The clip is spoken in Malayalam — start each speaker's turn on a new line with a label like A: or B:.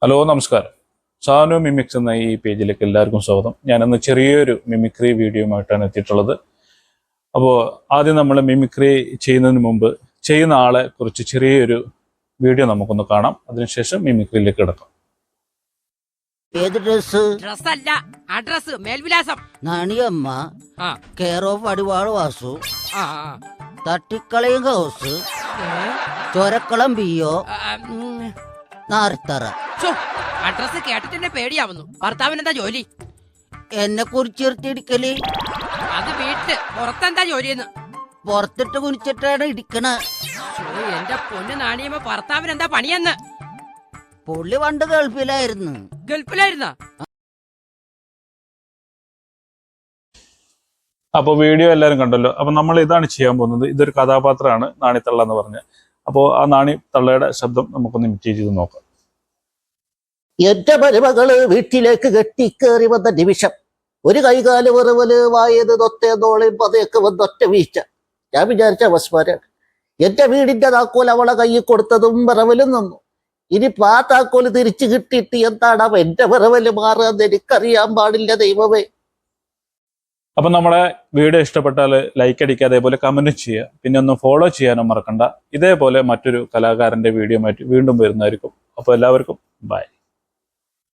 A: ഹലോ നമസ്കാരം. സാനു മിമിക്സ് എന്ന ഈ പേജിലേക്ക് എല്ലാവർക്കും സ്വാഗതം. ഞാനിന്ന് ചെറിയൊരു മിമിക്രി വീഡിയോയുമായിട്ടാണ് എത്തിയിട്ടുള്ളത്. അപ്പോൾ ആദ്യം നമ്മൾ മിമിക്രി ചെയ്യുന്നതിന് മുമ്പ് ചെയ്യുന്ന ആളെ കുറിച്ച് ചെറിയൊരു വീഡിയോ നമുക്കൊന്ന് കാണാം. അതിനുശേഷം മിമിക്രിയിലേക്ക് കിടക്കാം.
B: ഏത് ഡ്രസ്?
C: ഡ്രസ്സല്ല, അഡ്രസ്, മേൽവിലാസം.
B: നാണിയമ്മ, കെയർ ഓഫ് അടിവാള് വാസു, തട്ടിക്കളയും ഹൗസ്, ചൊരക്കളം ബിയോ, നാർത്തറ.
C: അഡ്രസ് കേട്ടിട്ട് പേടിയാവുന്നു. ഭർത്താവിനെന്താ ജോലി?
B: എന്നെ കുറിച്ചിടിക്കല്.
C: അത് വീട്ടില്. പുറത്തെന്താ ജോലിയെന്ന്?
B: പുറത്തിട്ട് കുനിച്ചിട്ടാണ് ഇടിക്കണ.
C: എന്റെ പൊന്ന് നാണിയമ്മ, ഭർത്താവിനെന്താ പണിയെന്ന്?
B: പുള്ളി പണ്ട് ഗൾഫിലായിരുന്നു.
C: ഗൾഫിലായിരുന്ന?
A: അപ്പോൾ വീഡിയോ എല്ലാവരും കണ്ടല്ലോ. അപ്പൊ നമ്മൾ ഇതാണ് ചെയ്യാൻ പോകുന്നത്. ഇതൊരു കഥാപാത്രമാണ് നാണിത്തള്ള എന്ന് പറഞ്ഞ്. അപ്പോൾ ആ നാണിത്തള്ളയുടെ ശബ്ദം നമുക്കൊന്ന് ഇമിറ്റേറ്റ് ചെയ്ത് നോക്കാം.
B: എന്റെ മരുമകള് വീട്ടിലേക്ക് കെട്ടിക്കേറി വന്ന നിമിഷം ഒരു കൈകാല് വെറുവല് വായത് തൊത്തേന്നോളയും പതയൊക്കെ വന്നൊറ്റ വീഴ്ച. ഞാൻ വിചാരിച്ച അവസ്മാരാണ്. എന്റെ വീടിന്റെ താക്കോൽ അവളെ കയ്യിൽ കൊടുത്തതും വിറവലും നിന്നു. ഇനി ആ താക്കോല് തിരിച്ചു കിട്ടിയിട്ട് എന്താണ് എന്റെ വിറവല് മാറുകയെന്ന് എനിക്കറിയാൻ പാടില്ല ദൈവമേ.
A: അപ്പം നമ്മളെ വീഡിയോ ഇഷ്ടപ്പെട്ടാൽ ലൈക്ക് അടിക്കുക, അതേപോലെ കമന്റ് ചെയ്യുക, പിന്നെ ഒന്ന് ഫോളോ ചെയ്യാനും മറക്കണ്ട. ഇതേപോലെ മറ്റൊരു കലാകാരന്റെ വീഡിയോ വീണ്ടും വരുന്നതായിരിക്കും. അപ്പോൾ എല്ലാവർക്കും ബൈ.